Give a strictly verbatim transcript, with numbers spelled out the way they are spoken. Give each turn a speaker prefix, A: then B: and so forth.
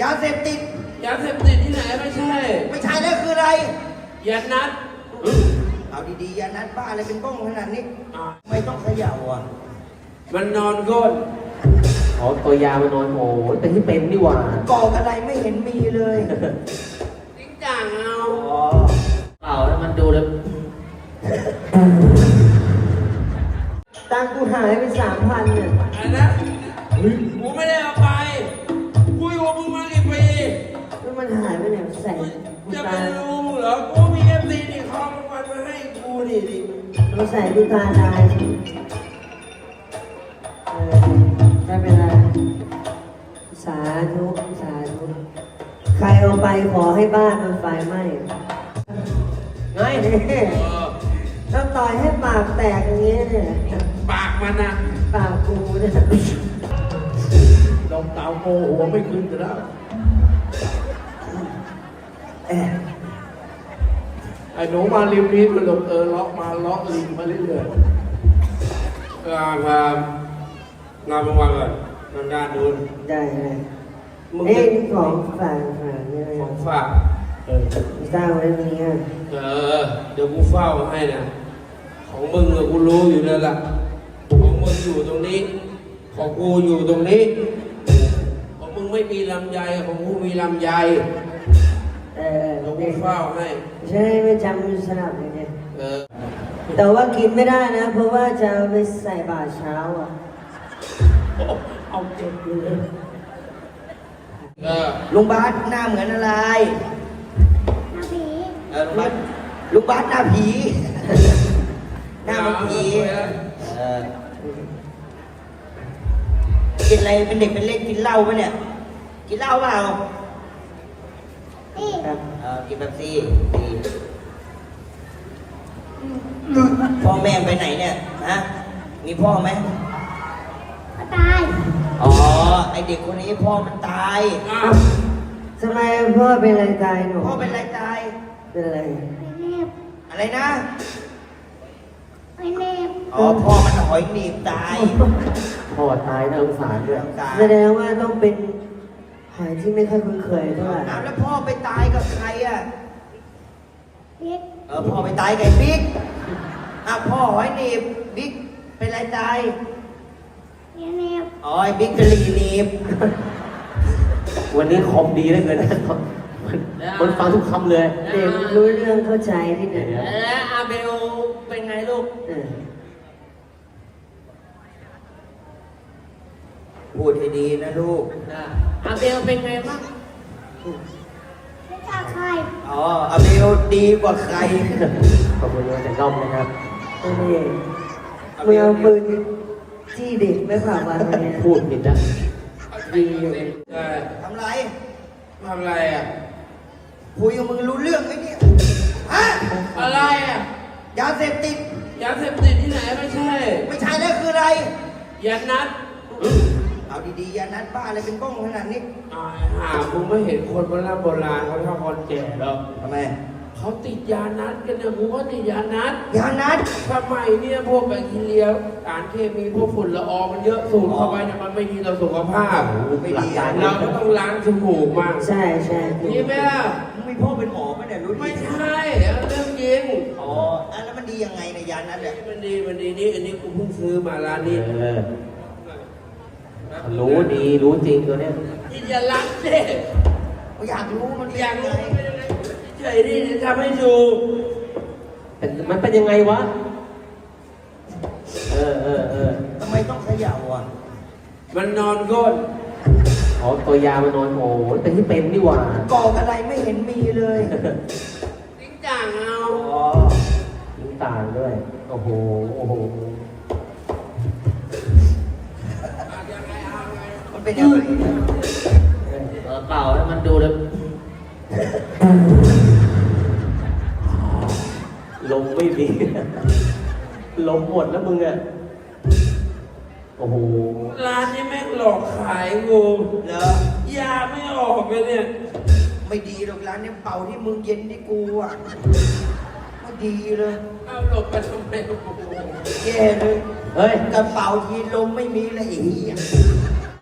A: ยาเสพติด
B: ยาเสพติดที่ไหนไม่ใช่
A: ไม่ใช่แล้วคืออะไร
B: ยานัด
A: เอาดีๆยานัดบ้าอะไรเป็นบ้องขนาดนี้ไม่ต้องเขย่าอ่ะ
B: มันนอนก้น
C: อ๋อตัวยามันนอนโอ้แต่ที่เป็นนี่หว่าก
A: อกอะไรไม่เห็นมีเลย
B: จริงจังเอา
C: อ๋อเปล่าแล้วมันดูแล้ว
D: ตังกูหายไปสามพันเนี่ย
B: อะไรนะกูไม่ได้เอาไปกูอยู่กับมึงมากี่ปี
D: แล้วมันหายไปไหนใส่
B: จะไปรู้มึงเหรอกูมีเอฟซีนี่เขาเอามันมาให้กูนี่ดิ
D: เราใส่ดูตาได้เออไม่เป็นไรสาธุสาธุใครเอาไปขอให้บ้านมันไฟไหม้ไงเนี่ยแล้วต่อยให้ปากแตกอย่างเงี้ยเนี่ย
B: ปากมันนะ
D: ปากกูเนี่ย
B: ดอกเต่าโมหัวไม่ขึ้นกันแล้วไอ้หนูมาริมนี้มันหลบเออล็อกมาล็อกลิงมาเรื่อยๆงานงานงานบางวันก่อนงานด้านนู้น
D: ได้เลยเอ้ยนี่ของฝากฝากเนี่ย
B: ของฝากเออ
D: สร้างไว้ตรงนี้
B: เออเดี๋ยวกูเฝ้าให้นะของมึงอะกูรู้อยู่แล้วล่ะของมึงอยู่ตรงนี้ของกูอยู่ตรงนี้ของมึงไม่มีลำไยของกูมีลำไย
D: เออ
B: เดี๋ยวกูเฝ้าให้
D: ใช่ไม่จำสลับเลยเนี่ย
B: เออ
D: แต่ว่ากินไม่ได้นะเพราะว่าจะไปใส่บาตรเช้าอ่ะ
B: เอาเจ็บเลยเออ
A: ลุงบาสหน้าเหมือนอะไร
E: หน้าผี
A: เออลุงบาสลุงบาสหน้าผีหน้ามันผีเออกินอะไรเป็นเด็กเป็นเล็กกินเหล้าปะเนี่ยกินเหล้าเปล่า
E: นี่
A: เออกินแบบซี่ดีพ่อแม่ไปไหนเนี่ยฮะมีพ่อไหม
E: ก็ตาย
A: อ๋อไอเด็กคนนี้พ่อมันตาย
D: ทำไมพ่อเป็นอะไรตายหนู
A: พ่อเป็นอะไรตาย
D: เป็นอะไร
E: เนบ
A: อะไรนะ
E: ไม่เนบ
A: อ๋อพ่อมันหอยหนีบตาย
C: พ่อตายน่าสงสารด้วย
D: แสดงว่าต้องเป็นหอยที่ไม่ค่อยคุ้นเคยเท่าไหร่
A: แล้วพ่อไปตายกับใครอ่ะ
E: บิ๊ก
A: เออพ่อไปตายกับบิ๊กอ่ะพ่อหอยหนีบบิ๊กเป็นอะไรตาย
E: เนบ
A: อ๋อไอ้บิ๊กกะลีหนีบ
C: วันนี้คอมดีเหลือเกินคนฟังทุกคำเลย
D: เด็กรู้เรื่องเข้าใจที่ไหน
B: แล้วอาเบลเป็นไงลูก
A: พูดให้ดีนะลูก
B: อาเบลเป็นไงบ้าง
E: ไม่กล้าใคร
A: อ๋ออาเบลดีกว่าใคร
C: ขอบคุณเลยแต่ด้อมนะครับ
D: นี่มึงเอาปืนจี้เด็กไม่ผ่าวันเนี่ย
C: พูดผิดนะ
D: ดี
A: ทำไร
B: ทำไรอ่ะ
A: คุยกับมึงรู้เรื่องไหมเนี่ยฮะ
B: อะไรอ่ะ
A: ยาเสพติด
B: ยาเสพติดที่ไหนไม่ใช่
A: ไม่ใช่แล้วคืออะไร
B: ยานัด
A: เอาดีๆยานัดบ้าอะไรเป็นบ้องขนาดนี้
B: หามึงไม่เห็นคนโบราณโบราณเขาชอบคนแก่หรอ
A: ทำไม
B: เขาติดยานัดกันเนี่ยกูก็ติดยานัด
A: ยานัด
B: ทำไมเนี่ยพวกแบคทีเรียสารเคมีพวกฝุ่นละอองมันเยอะสูดเข้าไปเนี่ยมันไม่ดีต่อสุขภาพ
A: ไม่ดี
B: เราก็ต้องล้างจมูกมาก
D: ใช่ใช่
B: ดีไหมล่ะ
A: มึงมีพ่อเป็นหมอไหมเนี่ยรู้
B: ไม่ใช่เรื่องจริง
A: อ๋อแล้วมันดียังไงในยานัดเนี่ย
B: มันดีมันดีนี่อันนี้กูเพิ่งซื้อมาร้านนี้
C: รู้ดีรู้จริงตัวเนี้ย
B: กินยาลักเด็ก
A: อยากรู้มัน
B: อยากรู้เฉยดิจะทำให้ดู
C: มันเป็นยังไงวะเออเออเออ
A: ทำไมต้องเขย่าอ่ะ
B: มันนอนก้น
C: อ๋อตัวยามันนอนโอ้แต่ที่เป็นนี่หว่าก
A: อกอะไรไม่เห็นมีเลย
B: จริงจังเอา
A: อ๋อ
C: จริงต่างด้วยโอ้โหโอ้โห
A: มันเป็นยังไง
C: เปล่าแล้วมันดูแล้วลมไม่ดีลมหมดแล้วมึงอ่ะโอ้โห
B: ร้านนี้แม่งหลอกขายงู
A: เหรอย
B: าไม่ออกเลยเนี่ย
A: ไม่ดีหรอกร้านนี้เป่าที่มึงเย็นที่กูอ่ะไม่ดีเลย
B: เอาหลบไปทำไม
A: แย่เลย
C: เฮ้ย
A: กระเป๋าทีลมไม่มีเลยอีก